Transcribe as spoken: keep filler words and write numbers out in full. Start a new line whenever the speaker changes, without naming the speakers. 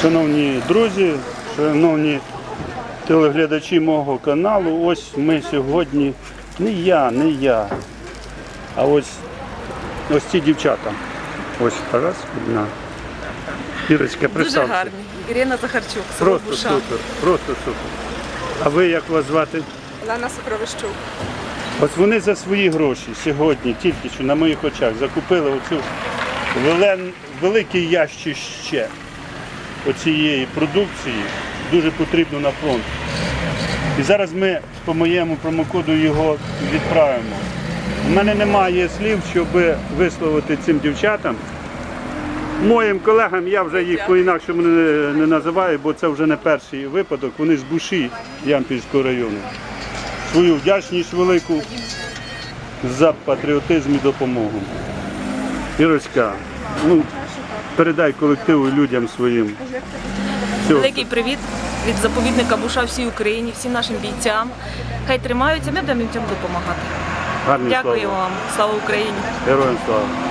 Шановні друзі, шановні телеглядачі мого каналу, ось ми сьогодні, не я, не я, а ось ось ці дівчата. Ось раз, одна. Ірочка,
Дуже
представся.
гарні. Ірина Захарчук, село
Просто
Буша.
супер, просто супер. А ви як вас звати?
Олена Сокровищук.
Ось вони за свої гроші сьогодні, тільки що на моїх очах, закупили оцю велен, великий ящище оцієї продукції, дуже потрібно на фронт. І зараз ми по моєму промокоду його відправимо. У мене немає слів, щоб висловити цим дівчатам. Моїм колегам, я вже їх по-інакшому не, не називаю, бо це вже не перший випадок, вони з Буші Ямпільського району. Свою вдячність велику за патріотизм і допомогу. Ірочка, ну, передай колективу і людям своїм. Всього.
Великий привіт від заповідника Буша всій Україні, всім нашим бійцям. Хай тримаються, ми будемо їм цьому допомагати.
Гарні
Дякую
слова.
вам. Слава Україні!
Героям слава.